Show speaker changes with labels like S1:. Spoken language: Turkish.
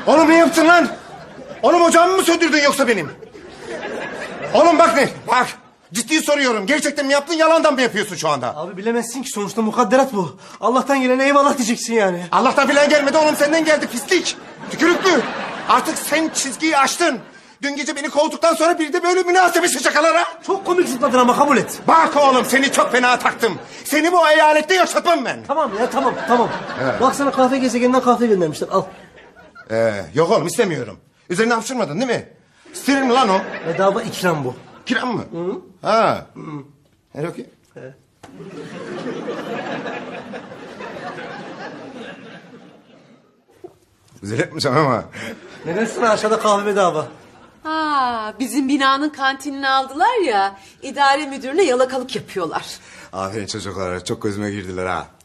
S1: Oğlum ne yaptın lan? Oğlum ocağımı mı söndürdün yoksa benim? Oğlum bak ne? Bak. Ciddi soruyorum. Gerçekten mi yaptın, yalandan mı yapıyorsun şu anda?
S2: Abi bilemezsin ki, sonuçta mukadderat bu. Allah'tan gelene eyvallah diyeceksin yani.
S1: Allah'tan filan gelmedi oğlum, senden geldi pislik. Tükürüklü. Artık sen çizgiyi aştın. Dün gece beni kovduktan sonra bir de böyle münasebesi şakalara.
S2: Çok komik zıpladın ama kabul et.
S1: Bak oğlum, seni çok fena taktım. Seni bu eyalette yaşatmam ben.
S2: Tamam ya, tamam. Bak sana kahve gezegeninden kahve göndermişler, al.
S1: Yok oğlum, istemiyorum. Üzerine hapşırmadın değil mi? Steril mi lan o?
S2: Bedava ikram bu.
S1: Kiram mı? Hı. Ha. Her okey. Güzel etmişim ama.
S2: Ne dersin, aşağıda kahve bedava.
S3: Ha, bizim binanın kantinini aldılar ya. İdare müdürüne yalakalık yapıyorlar.
S1: Aferin çocuklar, çok gözüme girdiler ha.